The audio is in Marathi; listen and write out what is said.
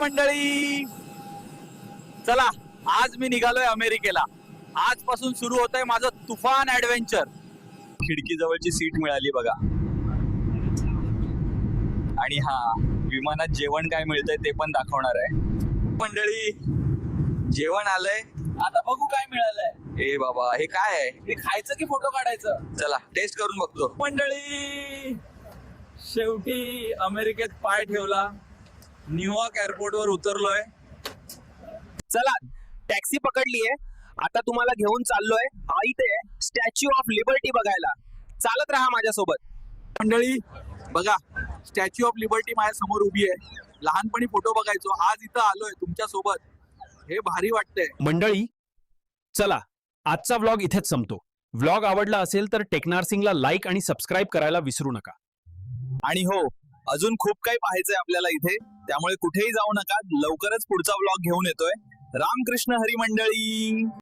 मंडळी, चला आज मी निघालोय अमेरिकेला. आजपासून सुरू होत आहे माझं तुफान ऍडव्हेंचर. खिडकी जवळची सीट मिळाली बघा. आणि हा, विमानात जेवण काय मिळतंय ते पण दाखवणार आहे. मंडळी, जेवण आलंय, आता बघू काय मिळालंय. ए बाबा, हे काय आहे? हे खायचं की फोटो काढायचं? चला टेस्ट करून बघतो. मंडळी, शेवटी अमेरिकेत पाय ठेवला. न्यूयॉर्क एअरपोर्ट वर उतरलोय. चला टॅक्सी पकडलीये, आता तुम्हाला घेऊन चाललोय इथे स्टॅच्यू ऑफ लिबर्टी बघायला. चालत राहा माझ्यासोबत. मंडळी बघा, स्टॅच्यू ऑफ लिबर्टी माझ्या समोर उभी आहे. लहानपणी फोटो बघायचो, आज इथं आलोय तुमच्या सोबत. हे भारी वाटतंय. मंडळी, चला आजचा व्लॉग इथेच संपतो. व्लॉग आवडला असेल तर टेक्नार्सिंगला लाईक आणि सबस्क्राईब करायला विसरू नका. आणि हो, अजून खूप काही पाहायचंय आपल्याला इथे, त्यामुळे कुठेही जाऊ नका. लवकरच पुढचा व्लॉग घेऊन येतोय. रामकृष्ण हरी मंडळी.